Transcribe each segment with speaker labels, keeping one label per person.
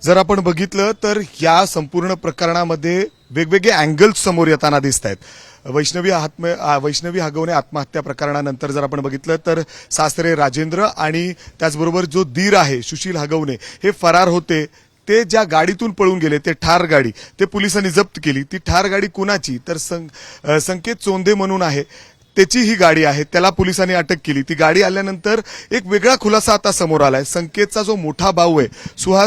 Speaker 1: जर आपण बघितलं तर या संपूर्ण प्रकरणामध्ये वेगवेगळे अँगल्स समोर येताना दिसत आहेत. वैष्णवी हगवणे आत्महत्या प्रकरणानंतर जर आपण बघितलं तर सासरे राजेंद्र आणि त्याचबरोबर जो दीर आहे सुशील हगवणे हे फरार होते. ते ज्या गाडीतून पळून गेले ते ठार गाडी ते पोलिसांनी जप्त केली. ती ठार गाडी कुणाची तर संकेत चोंदे म्हणून आहे, त्याची ही गाडी आहे. त्याला पोलिसांनी अटक केली. ती गाडी आल्यानंतर एक वेगळा खुलासा आता समोर आलाय. संकेतचा जो मोठा भाऊ आहे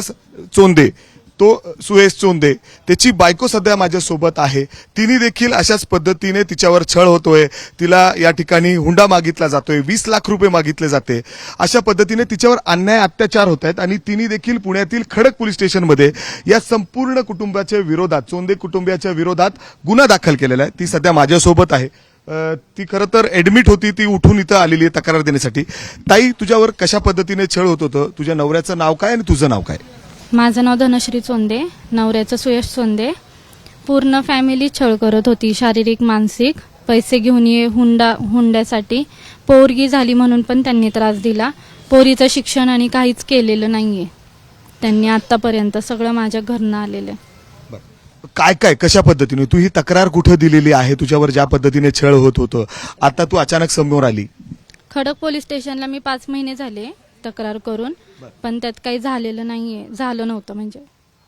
Speaker 1: सुहेश चोंदे त्याची बायको सध्या माझ्यासोबत आहे. तिने देखील अशाच पद्धतीने तिच्यावर छळ होतोय. तिला या ठिकाणी हुंडा मागितला जातोय, 20 लाख रुपये मागितले जाते. अशा पद्धतीने तिच्यावर अन्याय अत्याचार होत आहेत आणि तिने देखील पुण्यातील खडक पोलीस स्टेशनमध्ये या संपूर्ण कुटुंबाच्या विरोधात, चोंदे कुटुंबियाच्या विरोधात गुन्हा दाखल केलेला आहे. ती सध्या माझ्यासोबत आहे. ती खरं तर ऍडमिट होती, ती उठून इथं आलेली आहे तक्रार देण्यासाठी. ताई, तुझ्यावर कशा पद्धतीने छळ होत होतं? तुझ्या नवऱ्याचं नाव काय आणि तुझं नाव काय?
Speaker 2: माझं नाव धनश्री चोंदे, नवऱ्याचं सुयश चोंदे. पूर्ण फॅमिली छळ करत होती, शारीरिक मानसिक. पैसे घेऊन ये हुंड्यासाठी. पोरगी झाली म्हणून पण त्यांनी त्रास दिला. पोरीचं शिक्षण आणि काहीच केलेलं नाहीये त्यांनी आतापर्यंत. सगळं माझ्या घरनं आलेलं आहे.
Speaker 1: काय काय कशा पद्धतीने तू ही तक्रार कुठं दिलेली आहे? तुझ्यावर ज्या पद्धतीने छळ होत होतं, आता तू अचानक समोर आली.
Speaker 2: खडक पोलीस स्टेशनला मी 5 महिने झाले तक्रार करून, पण त्यात काही झालेलं नाहीये. झालं नव्हतं म्हणजे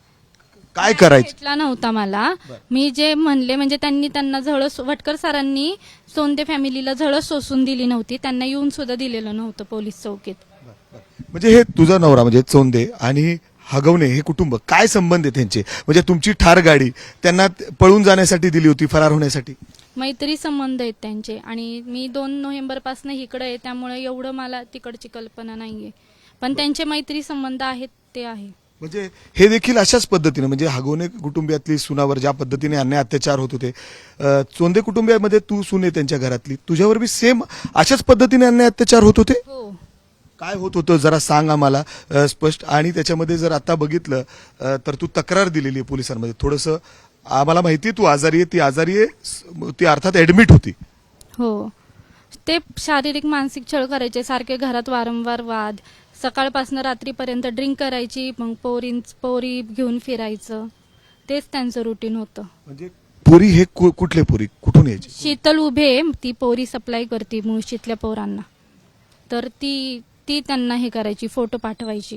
Speaker 1: काय करायचं
Speaker 2: भेटला नव्हता मला. मी जे म्हणले म्हणजे त्यांना झळस, वटकर सरांनी सोंदे फॅमिलीला झळस सोसून दिली नव्हती. त्यांना येऊन सुद्धा दिलेलं नव्हतं पोलीस चौकीत.
Speaker 1: म्हणजे हे तुझा नवरा म्हणजे चोंदे आणि हगवणे हे कुटुंब, काय संबंध आहे त्यांचे? म्हणजे तुमची ठार गाडी त्यांना पळून जाण्यासाठी दिली होती, फरार होण्यासाठी?
Speaker 2: मैत्री संबंध आहेत त्यांचे. आणि मी 2 नोव्हेंबरपासून इकडे आहे, त्यामुळे एवढं मला तिकडची कल्पना नाहीये. पण त्यांचे मैत्री संबंध आहेत ते आहे.
Speaker 1: म्हणजे हे देखील अशाच पद्धतीने, म्हणजे हगवणे कुटुंबियातली सुनावर ज्या पद्धतीने अन्याय अत्याचार होत होते, चोंदे कुटुंबियामध्ये तू सुने त्यांच्या घरातली, तुझ्यावर बी सेम अशाच पद्धतीने अन्याय अत्याचार होत होते?
Speaker 2: हो.
Speaker 1: काय होत होतं जरा सांग आम्हाला स्पष्ट. आणि त्याच्यामध्ये जर आता बघितलं तर तू तक्रार दिलेली आहे पोलिसांमध्ये. थोडंसं आम्हाला माहिती आहे तू आजारी आहे, ती अर्थात ऍडमिट होती.
Speaker 2: हो. ते शारीरिक मानसिक छळ करायचे सारखे. घरात वारंवार वाद, सकाळपासून रात्रीपर्यंत ड्रिंक करायची, मग पोरी घेऊन फिरायचं. तेच त्यांचं रुटीन होतं.
Speaker 1: म्हणजे पोरी हे कुठले पोरी, कुठून यायची?
Speaker 2: शीतल उभे ती पोरी सप्लाय करते मुळशीतल्या पोरांना. तर ती त्यांना हे करायची, फोटो पाठवायची.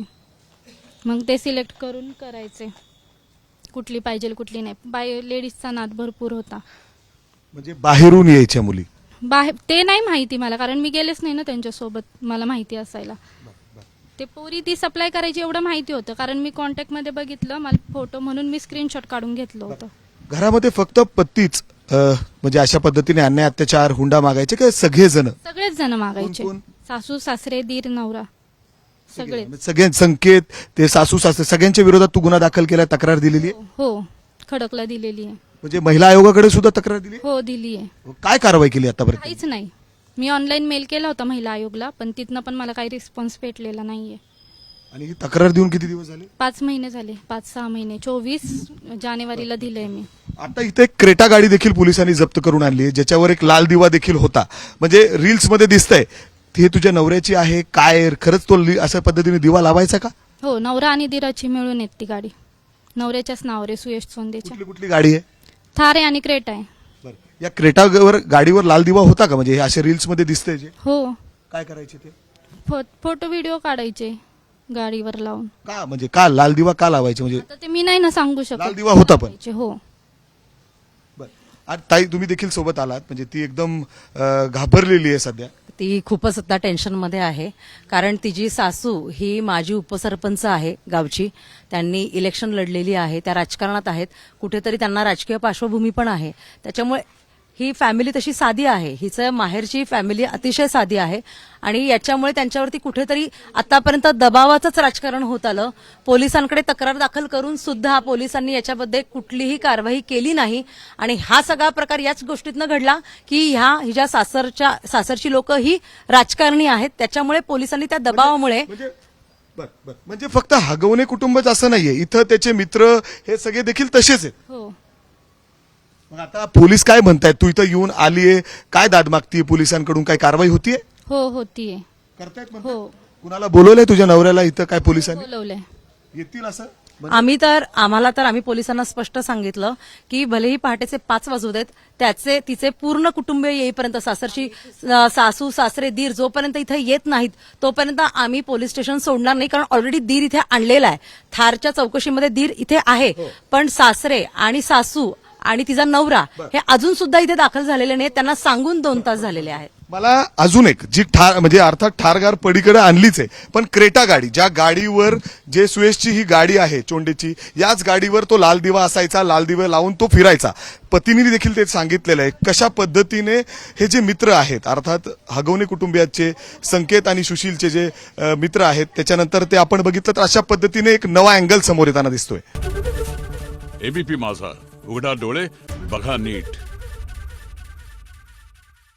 Speaker 2: मग ते सिलेक्ट करून करायचे कुठली पाहिजे कुठली नाही. लेडीजचा नाद भरपूर होता.
Speaker 1: म्हणजे बाहेरून यायच्या मुली?
Speaker 2: ते नाही माहिती मला, कारण मी गेलेच नाही ना त्यांच्यासोबत. मला माहिती असायला. ते पोरी ती सप्लाय करायची एवढं माहिती होतं, कारण मी कॉन्टॅक्ट मध्ये बघितलं. मला फोटो म्हणून मी स्क्रीनशॉट काढून घेतलं होतं.
Speaker 1: घरामध्ये फक्त पत्तीच म्हणजे अशा पद्धतीने अन्याय अत्याचार हुंडा मागायचे का सगळेच
Speaker 2: जण मागायचे? सासू सासरे दीर नवरा
Speaker 1: सगळे संकेत, ते सासू सासरे सगळ्यांच्या विरोधात तू गुन्हा दाखल केला, तक्रार दिलेली आहे?
Speaker 2: हो, खडकला दिलेली आहे.
Speaker 1: म्हणजे महिला आयोगाकडे सुद्धा तक्रार दिली?
Speaker 2: हो, दिली आहे.
Speaker 1: काय कारवाई केली आतापर्यंत?
Speaker 2: काहीच नाही. मी ऑनलाईन मेल केला होता महिला आयोगला, पण तिथनं पण मला काही रिस्पॉन्स भेटलेला नाहीये.
Speaker 1: आणि ही तक्रार देऊन किती दिवस झाले?
Speaker 2: 5 महिने झाले. 5-6 महिने. 24 जानेवारीला दिलंय मी.
Speaker 1: आता इथे एक क्रेटा गाडी देखील पोलिसांनी जप्त करून आणली आहे, ज्याच्यावर एक लाल दिवा देखील होता. म्हणजे रील्स मध्ये दिसतंय. ती तुझ्या नवऱ्याची आहे काय? खरंच तो अशा पद्धतीने दिवा लावायचा का?
Speaker 2: हो, नवरा आणि दिराची मिळून येत ती गाडी. नवऱ्याच्याच नावावर आहे, सुयश चोंदेच्या.
Speaker 1: कुठली गाडी आहे?
Speaker 2: थार आहे आणि क्रेटा आहे.
Speaker 1: या क्रेटावर गाडीवर लाल दिवा होता का? म्हणजे हे असे रील्स मध्ये दिसतंय जे?
Speaker 2: हो.
Speaker 1: काय करायचे ते?
Speaker 2: फोटो व्हिडिओ काढायचे गाडीवर लावून.
Speaker 1: का म्हणजे का लाल दिवा का लावायचे? म्हणजे
Speaker 2: आता ते मी नाही ना सांगू शकत.
Speaker 1: लाल दिवा होता पण?
Speaker 2: हो.
Speaker 1: बरं. ताई, तुम्ही देखील सोबत आलात. म्हणजे ती एकदम घाबरलेली आहे सध्या.
Speaker 3: ती खूपच आता टेन्शनमध्ये आहे, कारण तिची सासू ही माजी उपसरपंच आहे गावची. त्यांनी इलेक्शन लढलेली आहे, त्या राजकारणात आहेत. कुठेतरी त्यांना राजकीय पार्श्वभूमी पण आहे. त्याच्यामुळे ही फॅमिली तशी साधी आहे. हिचं माहेरची फॅमिली अतिशय साधी आहे आणि याच्यामुळे त्यांच्यावरती कुठेतरी आतापर्यंत दबावाचंच राजकारण होत आलं. पोलिसांकडे तक्रार दाखल करून सुद्धा पोलिसांनी याच्यामध्ये कुठलीही कारवाई केली नाही. आणि हा सगळा प्रकार याच गोष्टीतनं घडला की हिच्या सासरची लोक ही राजकारणी आहेत. त्याच्यामुळे पोलिसांनी त्या दबावामुळे
Speaker 1: म्हणजे फक्त हगवणे कुटुंबच असं नाहीये, इथं त्याचे मित्र हे सगळे देखील तसेच आहेत.
Speaker 2: हो.
Speaker 1: मग आता पोलीस काय म्हणतायत? तू इथं येऊन आलीये, काय दाद मागतीये? पोलिसांकडून काय कारवाई होतीये?
Speaker 2: हो, होतीये.
Speaker 1: करतायत?
Speaker 2: हो.
Speaker 1: कुणाला बोलवलंय तुझ्या नवऱ्याला इथं? काय पोलिसांनी
Speaker 2: बोलवलंय.
Speaker 1: येतील असं?
Speaker 3: आम्ही पोलिसांना स्पष्ट सांगितलं की भलेही पहाटेचे 5 वाजू देत, तिचे पूर्ण कुटुंबीय येईपर्यंत, सासू सासरे दीर जोपर्यंत इथे येत नाहीत तोपर्यंत आम्ही पोलीस स्टेशन सोडणार नाही. कारण ऑलरेडी दीर इथे आणलेला आहे. थारच्या चौकशीमध्ये दीर इथे आहे, पण सासरे आणि सासू आणि तिचा नवरा हे अजून सुद्धा इथे दाखल झालेले नाहीत. त्यांना सांगून 2 तास झालेले आहेत.
Speaker 1: मला अजून एक जी ठार म्हणजे अर्थात ठारगार पडीकडे आणलीच आहे, पण क्रेटा गाडी, ज्या गाडीवर जे सुयशची ही गाडी आहे चोंडेची, याच गाडीवर तो लाल दिवा असायचा, लाल दिवा लावून तो फिरायचा. पत्नीने देखील ते सांगितलेलं आहे. कशा पद्धतीने हे जे मित्र आहेत, अर्थात हगवणे कुटुंबियाचे संकेत आणि सुशीलचे जे मित्र आहेत, त्याच्यानंतर ते आपण बघितलं तर अशा पद्धतीने एक नवा अँगल समोर येताना दिसतोय.
Speaker 4: एबीपी माझा, उघडा डोळे बघा नीट.